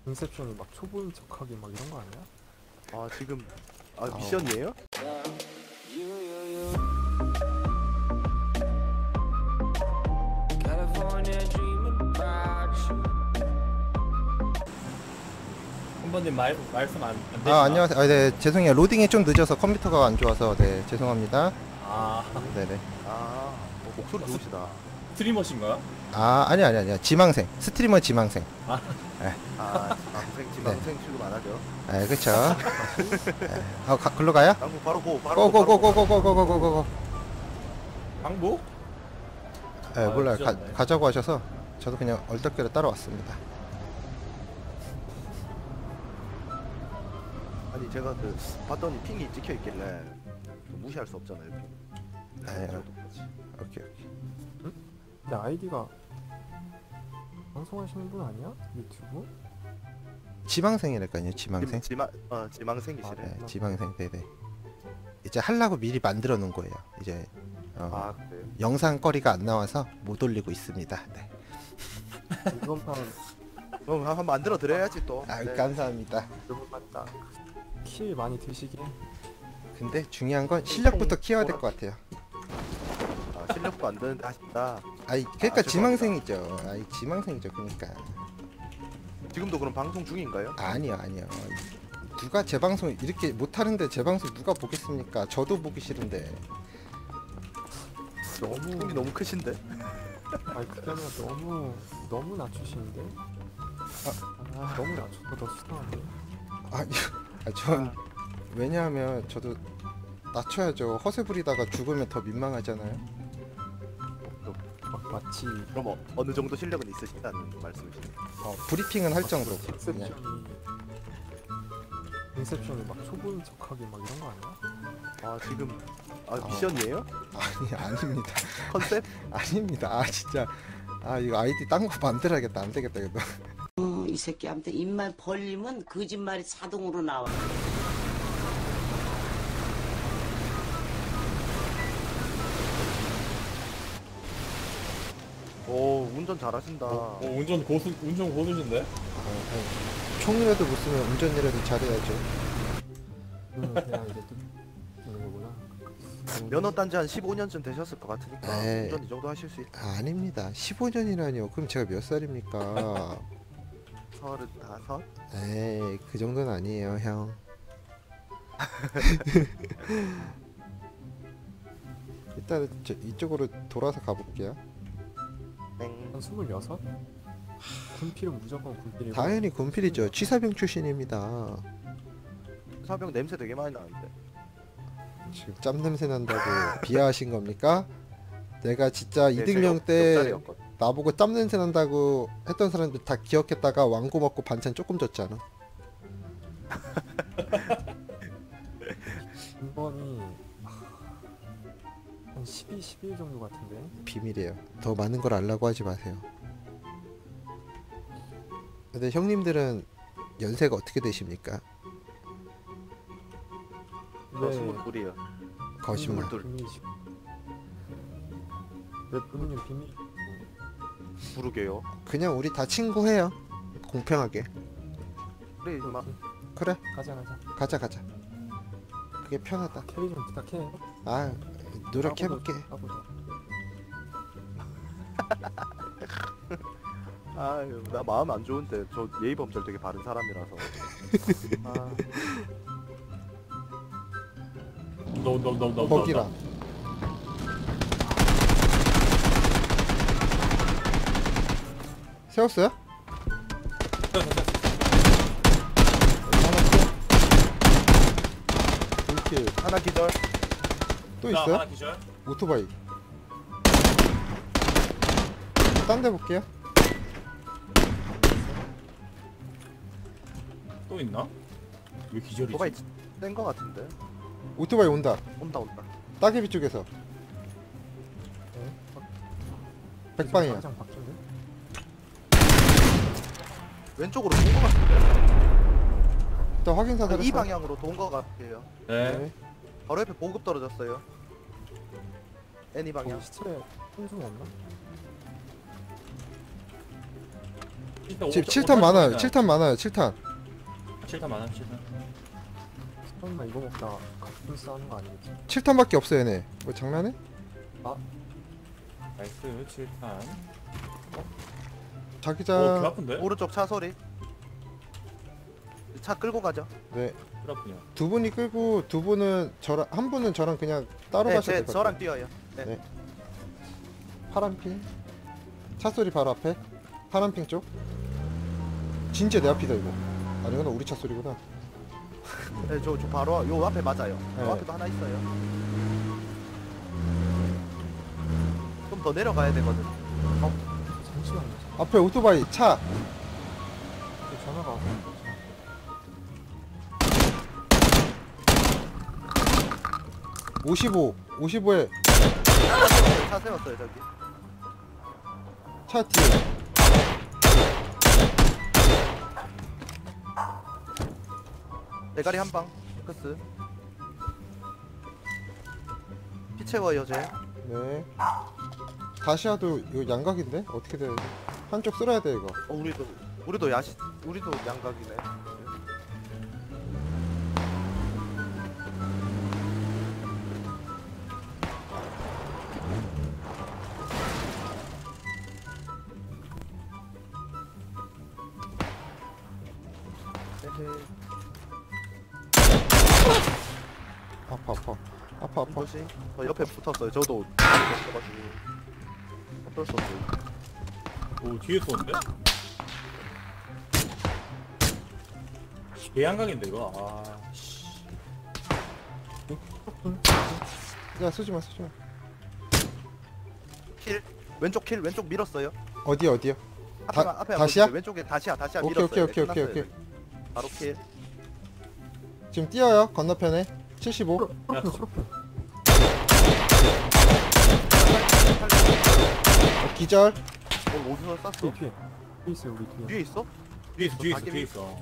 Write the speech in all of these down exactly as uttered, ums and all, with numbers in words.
인셉션이 막 초보인 척하기 막 이런 거 아니야? 아 지금 아 미션이에요? 한번님 말 말씀 안, 안 되시나? 아 안녕하세요. 아, 네 죄송해요. 로딩이 좀 늦어서 컴퓨터가 안 좋아서 네 죄송합니다. 아 네네. 아 어, 목소리 좋으시다. 스트리머신가요? 아 아니 아니 아니야. 지망생 스트리머 지망생. 아 아 지망생 지망생 취급 안 하죠. 아 그쵸. 네. 아 가, 글로 가요? 당구 바로 고 바로 고, 바로 고. 고고고고고고고고고고. 방북? 네 아, 몰라요. 가, 늦었네. 가자고 하셔서 저도 그냥 얼떨결에 따라왔습니다. 아니 제가 그 봤더니 핑이 찍혀 있길래 좀 무시할 수 없잖아요. 핑. 네, 저도 그렇지. 오케이 오케이. 근데 아이디가 방송하시는 분 아니야? 유튜브? 지망생이랄까요. 지망생. 지, 지망 어 지망생이시래. 네 지망생. 네네. 이제 하려고 미리 만들어 놓은 거예요. 이제 어, 아 그래요? 영상거리가 안 나와서 못 올리고 있습니다. 네. 이번 판 그럼 한번 만들어 드려야지 또. 아 네. 감사합니다. 너무 맞다. 킬 많이 드시게. 근데 중요한 건 실력부터 키워야 될 것 같아요. 아, 실력도 안 되는데 하신다. 아이 그러니까 아, 죄송합니다. 지망생이죠. 아이 지망생이죠. 그러니까 지금도 그럼 방송 중인가요? 아니요 아니요. 누가 제 방송 이렇게 못하는데 제 방송 누가 보겠습니까? 저도 보기 싫은데. 너무 꿈이 너무 크신데? 아니 그게 아니라 너무 너무 낮추시는데? 아, 너무 낮춰서 더 수상한데? 아니 아, 전 왜냐하면 저도 낮춰야죠. 허세 부리다가 죽으면 더 민망하잖아요. 막 마치 그럼 어, 어느 정도 실력은 있으시다는 말씀이시네요. 어, 브리핑은 할 정도로 인셉션이 그냥. 인셉션이 막 초보인 척하기 막 이런 거 아니야? 아 지금 아 어. 미션이에요? 아니 아닙니다. 컨셉? 아닙니다. 아 진짜 아 이거 아이디 딴 거 만들어야겠다. 안 되겠다 이거. 어, 이 새끼한테 입만 벌리면 거짓말이 자동으로 나와. 오 운전 잘하신다. 어, 운전 고수 운전 고수신데? 아, 총이라도 못 쓰면 운전이라도 잘해야죠. 음, 그냥 이제 또 되는 거구나. 면허 딴지 한 십오 년쯤 되셨을 것 같으니까 에이. 운전 이 정도 하실 수 있다. 아, 아닙니다. 십오 년이라니요. 그럼 제가 몇 살입니까? 서른다섯? 에이, 그 정도는 아니에요, 형. 일단 저 이쪽으로 돌아서 가볼게요. 땡. 한 스물여섯? 군필은 무조건 군필이고. 당연히 군필이죠. 취사병 출신입니다. 사병 냄새 되게 많이 나는데. 지금 짬 냄새 난다고 비하하신 겁니까? 내가 진짜 네, 이등병 제가 때 옆자리였거든. 나보고 짬 냄새 난다고 했던 사람들 다 기억했다가 왕고 먹고 반찬 조금 줬잖아. 이번이 한 십이, 십일 정도 같은데. 비밀이에요. 더 많은 걸 알라고 하지 마세요. 근데 형님들은 연세가 어떻게 되십니까? 저 스물둘이요. 거짓말. 스물둘. 비밀이시고. 왜 본인은 비밀? 부르게요. 그냥 우리 다 친구해요. 공평하게. 그래 막 그래 가자 가자. 가자 가자. 그게 편하다. 캐리 좀 부탁해. 아 노력해볼게. 까보자. 아유 나 마음 안 좋은데 저 예의 범절 되게 바른 사람이라서. 아 너너너너 거기라. 세웠어요? 이렇게 하나 기절. 또 하나 있어요? 기절? 오토바이. 딴 데 볼게요. 또 있나? 왜 기절이지? 오토바이 뗀거 같은데. 오토바이 온다. 온다 온다. 따개비 쪽에서. 네? 백방이야. 가장 바뀐데? 왼쪽으로 돈 거 같은데. 일단 확인 사살. 이 방향으로 돈 거 같아요. 네. 네. 바로 옆에 보급 떨어졌어요. 애니 방향. 거기 시체에 한중 없나? 지금 칠 탄 많아요. 칠 탄 많아요. 칠 탄. 칠 탄 많아요. 칠 탄. 설마 이거 먹다 갑분 싸는 거 아니겠지? 칠 탄밖에 없어 얘네. 뭐 장난해? 나이스 칠 탄. 자기장. 어, 개 아픈데? 오른쪽 차 소리. 차 끌고 가죠. 네. 그렇군요. 두 분이 끌고 두 분은 저랑 한 분은 저랑 그냥 따로 네, 가셔도 제, 될 것 같아요. 저랑 뛰어요. 네. 네. 파란 핑. 차 소리 바로 앞에. 파란 핑 쪽. 진짜 내 앞이다 이거. 아니구나 우리 차 소리구나. 네, 저, 저 바로 요 앞에 맞아요. 네. 요 앞에도 하나 있어요. 좀 더 내려가야 되거든. 잠시만요. 앞에 오토바이 차. 저 전화가 와서. 오십오. 오십오에 차 세웠어요 저기. 차 뒤에. 대가리 한 방. 크스. 피 채워요 쟤. 네. 다시아도 이거 양각인데 어떻게 돼? 한쪽 쓸어야 돼 이거. 어, 우리도 우리도 야시 우리도 양각이네. 에헤. 아파 아파. 아파 아파. 뭐지? 저 옆에 붙었어요. 저도 붙어가지고 어쩔 수 없어요. 오 뒤에 쏘는데? 개양각인데 이거. 아 씨. 야 쏘지마 쏘지마. 킬 왼쪽 킬 왼쪽 밀었어요. 어디 어디요? 다- 앞에 앞에 다시야? 보여주세요. 왼쪽에 다시야 다시야 오케이, 밀었어요. 오케이, 오케이, 네, 오케이, 끝났어요. 오케이. 바로 킬. 지금 뛰어요 건너편에. 칠십오. 야, 초록핑 초록핑. 어, 기절. 어 어디서 쐈어? 뒤에 뒤에. 뒤에 있어요 우리 뒤에. 뒤에 있어? 뒤에 있어 뒤에 있어 가게 뒤에 있어.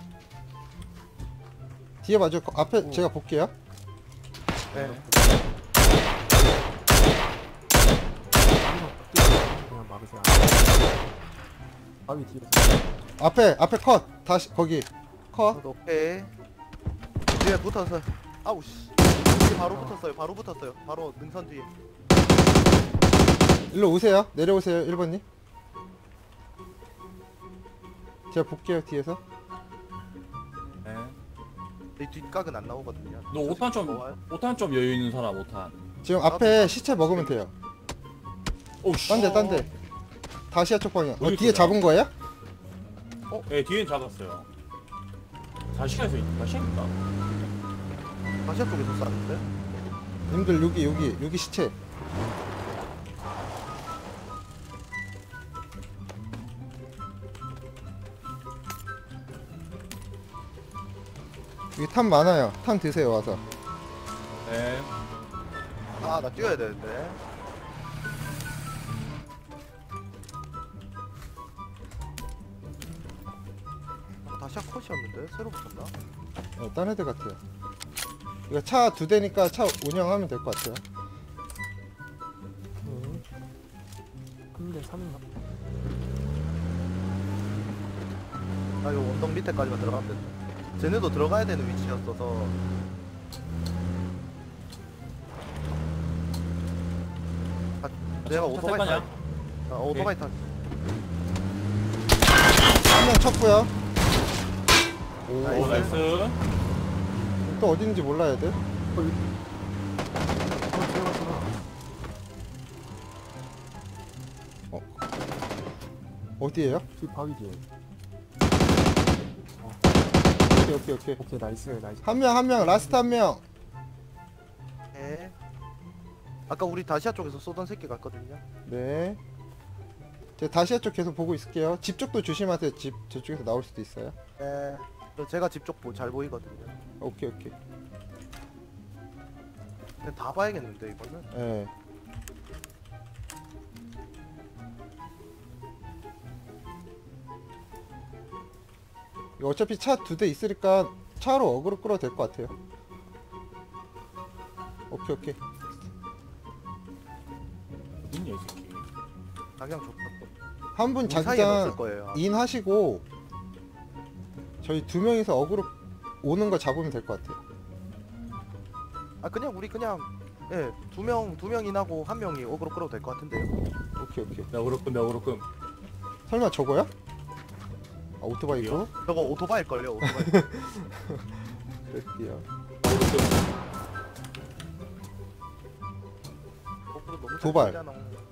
뒤에 봐줘. 거- 앞에 오. 제가 볼게요. 네. 그냥 막으세요. 바위 뒤에. 앞에 앞에 컷. 다시 거기 컷. 저도 오케이. 뒤에 붙어서. 아우 씨. 뒤에 바로 붙었어요. 바로 붙었어요. 바로 능선 뒤에. 일로 오세요. 내려오세요 일 번님. 제가 볼게요 뒤에서. 네. 내 뒷각은 안 나오거든요. 너 오탄 좀 좋아요. 오탄 좀 여유 있는 사람 오탄. 지금 앞에 시체 먹으면 돼요. 오씨. 딴데 딴데. 다시아 쪽 방향. 어, 어디 뒤에 있어요? 잡은 거예요? 예 뒤엔 잡았어요. 다시야에서 다시야인가? 다시아 쪽에서 쐈는데? 님들 여기 여기 여기 시체. 여기 탄 많아요. 탄 드세요 와서. 네. 아 나 뛰어야 되는데. 아, 다시아 컷이었는데? 새로 붙었나? 어, 딴 애들 같아요. 이거 차 두 대니까 차 운영하면 될 것 같아요. 네. 근데 삼인가? 아 이거 언덕 밑에까지만 들어가면 된다. 쟤네도 들어가야 되는 위치였어서. 아, 내가 오토바이 거냐? 타. 아, 오토바이 타. 한 명 쳤고요. 오, 오 나이스. 또 어디 있는지 몰라야 돼. 어 들어갔구나. 어디에요? 뒤 바위 뒤에. 오케이 오케이 오케이. 오케이 나이스 나이스. 한 명 한 명 라스트 한 명. 네. 아까 우리 다시아 쪽에서 쏘던 새끼 같거든요. 네. 제가 다시아 쪽 계속 보고 있을게요. 집 쪽도 조심하세요. 집 저쪽에서 나올 수도 있어요. 네. 저 제가 집 쪽 잘 보이거든요. 오케이 오케이. 근데 다 봐야겠는데 이거는. 예. 이거 어차피 차 두 대 있으니까 차로 어그로 끌어도 될 것 같아요. 오케이 오케이. 어딨냐 이 새끼. 방향 좋다 또. 한 분 우리 사이엔 없을 자기장 거예요. 인 하시고 저희 두 명이서 어그로 오는 거 잡으면 될 것 같아요. 아 그냥 우리 그냥 예, 두 명, 두 명이나고 한 명이 어그로 끌어도 될 것 같은데요. 오케이 오케이. 나 오로끔 나 오로끔. 설마 저거야? 아 오토바이고? 저거 오토바이일걸요, 오토바이. 그럴게요. 오로끔. 어그로 너무 잘 도발. 끌잖아.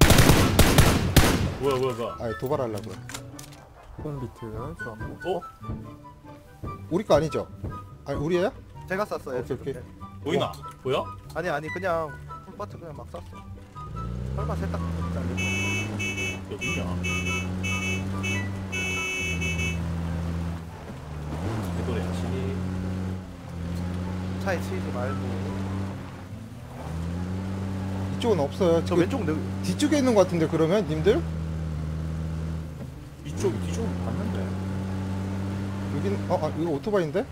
뭐야 뭐야 뭐야. 아 도발하려고요. 폰 비트 좋았고. 어? 우리 거 아니죠? 아니 우리예요? 제가 쐈어요. 오케이, 오케이. 네. 보이나? 보여? 아니 아니 그냥 풀바트 그냥 막 쐈어. 설마 세탁 잘리 어디냐? 개도래야지. 차에 치이지 말고. 이쪽은 없어요. 저 그 왼쪽 느, 뒤쪽에 있는 것 같은데 그러면 님들? 이쪽 뒤쪽 봤는데. 여긴 어 아, 이거 오토바이인데?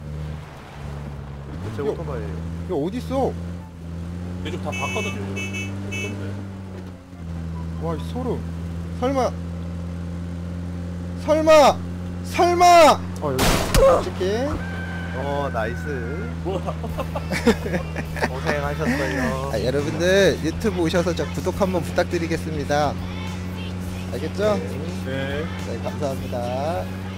제 요. 오토바이에요. 이거 어디 있어? 이쪽 다 봤거든요. 없던데. 와, 이 소름. 설마 설마 설마 어 여기 치킨. 어 나이스. 뭐야? 고생하셨어요. 아, 여러분들 유튜브 오셔서 저 구독 한번 부탁드리겠습니다. 알겠죠? 네. 네. 네, 감사합니다.